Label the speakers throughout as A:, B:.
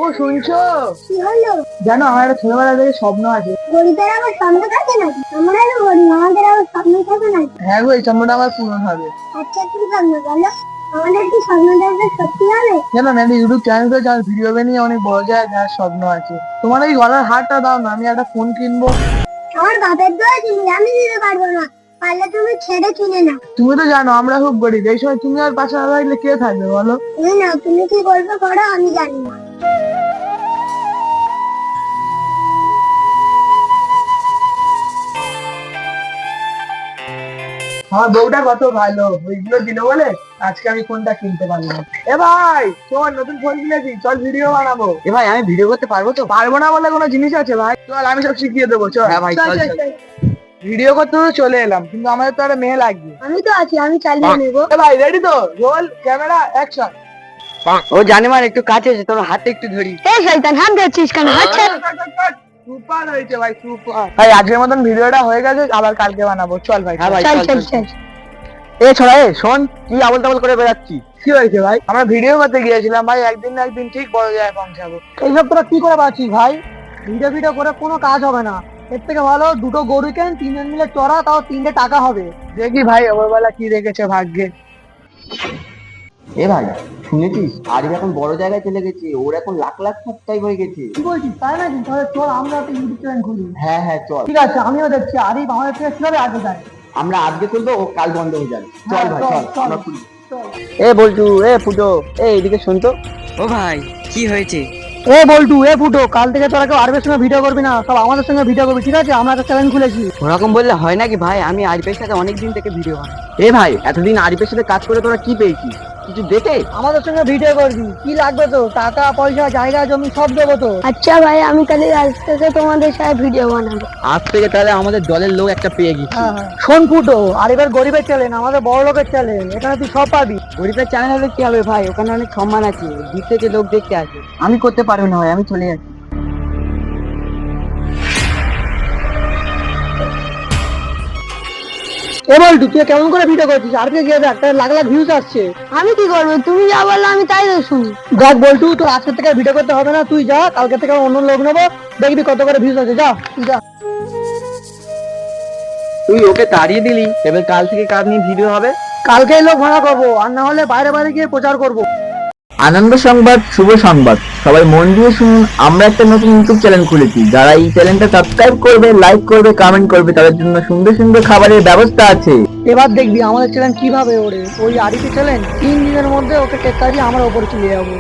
A: শুনছো?
B: কি হলো?
A: জানো আমার একটা ছোটবেলা থেকে স্বপ্ন আছে।
B: গরিবের আবার স্বপ্ন থাকে নাকি? আমরা তো গরিব, আমাদের আবার স্বপ্ন থাকে নাকি?
A: হ্যাঁ গো, এই স্বপ্নটা আমার পূরণ হবে।
B: আচ্ছা কি স্বপ্ন বলো? আমাদের কি স্বপ্নটা সত্যি হবে?
A: জানো আমি একটা ইউটিউব চ্যানেল করেছি, আমার ভিডিও বানিয়ে অনেক বড় জায়গায় যাওয়ার স্বপ্ন আছে। তোমার এই গলার হারটা দাও না, আমি একটা ফোন কিনবো।
B: আমার বাপের দোয়া চিনি, আমি দিতে পারবো না। পারলে তুমি ছেড়ে কিনে নাও।
A: তুমি তো জানো আমরা খুব গরিব, এই সময় তুমি আর পাশে না থাকলে কে থাকবে বলো?
B: তুমি নাও, তুমি কি করবে করো, আমি জানি না।
A: আমার বউটা কত ভালো, ওইগুলো দিল বলে আজকে আমি ফোনটা কিনতে পারলাম। এ ভাই তোমার নতুন ফোন কিনেছি, চল ভিডিও বানাবো।
C: এ ভাই, আমি ভিডিও করতে পারবো তো?
A: পারবো না বলে কোনো জিনিস আছে ভাই? চল আমি সব শিখিয়ে দেবো, চল।
C: হ্যাঁ ভাই, চল, চল।
A: ভিডিও করতে তো চলে এলাম, কিন্তু আমাদের তো একটা মেয়ে লাগবে।
B: আমি তো আছি, আমি চালিয়ে নেবো।
A: এ ভাই রেডি তো? Roll camera action.
C: ও জানিমার একটু কাছে এসে তোর হাতে একটু ধরি।
B: এই শয়তান, হাত ধরছিস কেন? আচ্ছা
A: সুপার হয়েছে ভাই, সুপার। ভাই আজকের মতন ভিডিওটা হয়ে গেছে, আবার কালকে বানাবো। চল ভাই।
C: হ্যাঁ ভাই,
B: চল
C: চল,
B: চল
C: চল।
B: চল।
C: এ ছোড়া, এ শোন, কি আবল তাবল করে বেড়াচ্ছি?
A: কি হয়েছে ভাই? আমরা ভিডিও করতে গিয়েছিলাম ভাই, একদিন না একদিন ঠিক বড় জায়গায় পৌঁছাবো। এইসব তোরা কি করে পাচ্ছিস ভাই? ভিডিও ভিডিও করে কোনো কাজ হবে না। এর থেকে ভালো দুটো গরু কেন, তিনজন মিলে চড়া, তাও 3টে টাকা হবে। দেখি ভাই ওপরবেলা কি রেখেছে ভাগ্যে।
C: এ ভাই, শুনেছিস আরিফ এখন বড় জায়গায় চলে গেছে, ওর এখন লাখ লাখ সাবস্ক্রাইব হয়ে গেছে।
A: কি বলছিস? তাই নাকি? তাহলে চল আমরা একটা ইউটিউব চ্যানেল খুলি।
C: হ্যাঁ হ্যাঁ, চল।
A: ঠিক আছে, আমিও দেখছি আরিফ আমাদের থেকে কিভাবে আগে যায়।
C: আমরা আজকে খুলবো, ও কাল বন্ধ হয়ে যাবে। চল
A: হ্যাঁ,
C: ভাই,
A: চল,
C: চল,
A: চল।
C: আমরা খুলি।
A: চল।
C: এ বলটু, এ ফুটো, এ এদিকে শুন তো। ও ভাই, কি হয়েছে?
A: এ বল্টু, এ ফুটো, কাল থেকে তোরা কেউ আরবের সঙ্গে ভিডিও করবি না, সব আমাদের সঙ্গে ভিডিও করবি, ঠিক আছে? আমরা একটা চ্যানেল খুলেছি।
C: ওরকম বললে হয় নাকি ভাই? আমি আরিফের সাথে অনেক দিন থেকে ভিডিও বানাই। এ ভাই, এতদিন আরিফের সাথে কাজ করে তোরা কি পেয়েছিস? কিছু দেখে?
A: আমাদের সঙ্গে ভিডিও করবি, কি লাগবে তো? টাকা পয়সা জায়গা জমি সব দেবো তো।
B: আচ্ছা ভাই, আমি তাহলে আজ থেকে তোমাদের সাথে ভিডিও বানাবো।
C: আজ থেকে তাহলে আমাদের দলের লোক একটা পেয়ে গেছি।
A: হ্যাঁ হ্যাঁ। শোন ফুটো, আরিফের গরিবের চ্যানেল, আমাদের বড় লোকের চ্যানেল, এখানে তুই সব পাবি।
C: গরিবের চ্যানেল হলে কি হবে ভাই? ওখানে অনেক সম্মান আছে, দূর থেকে লোক দেখতে আসে। আমি করতে পারবো না ভাই, আমি চলে যাচ্ছি।
A: এ বল্টু, তুই কেমন করে ভিডিও করছিস? আরকে গিয়ে দেখ, তার লাখ লাখ ভিউজ আসছে।
B: আমি কি করবো? তুমি যা বললো আমি তাই তো শুনি।
A: দেখ বল্টু, তোর আজকে থেকে ভিডিও করতে হবে না, তুই যা, কালকে থেকে অন্য লোক নেবো, দেখবি কত করে ভিউজ আছে। যা তুই যা।
C: তুই ওকে তাড়িয়ে দিলি, এবার কাল থেকে কার নিয়ে ভিডিও হবে?
A: কালকেই লোক ভাড়া করবো, আর না হলে বাইরে বাইরে গিয়ে প্রচার করবো।
D: আনন্দ সংবাদ, শুভ সংবাদ, সবাই মন দিয়ে শুনুন। আমরা একটা নতুন ইউটিউব চ্যানেল খুলেছি। যারা এই চ্যানেলটা সাবস্ক্রাইব করবে, লাইক করবে, কমেন্ট করবে, তাদের জন্য সুন্দর সুন্দর খাবারের ব্যবস্থা আছে।
A: এবার দেখবি আমাদের চ্যানেল কিভাবে ওড়ে। ওই আরিফের চ্যানেল 3 দিনের মধ্যে ওকে টেক্কা দিয়ে আমরা ওপরে চলে যাবো।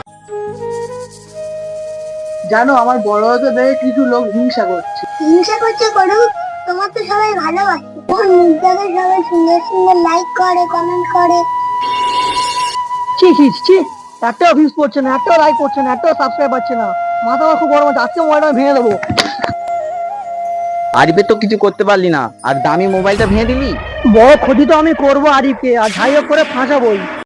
A: জানো আমার বড় হতে দেখে কিছু লোক হিংসা করছে।
B: হিংসা করছে করুক, তোমার তো সবাই ভালোবাসে। তোমার মুখটাকে সবাই সুন্দর সুন্দর লাইক করে, কমেন্ট করে।
A: ছি ছি ছি, একটাও ভিউজ পড়ছে না, একটাও লাইক করছে না, একটাও সাবস্ক্রাইব পাচ্ছে না। মাথা আমার খুব গরম আছে, আজকে মোবাইলটা ভেঙে দেবো।
C: আরিফের তো কিছু করতে পারলি না, আর দামি মোবাইলটা ভেঙে দিলি।
A: বড় ক্ষতি তো আমি করবো আরিফকে, আর যাই হোক করে ফাঁসাবোই।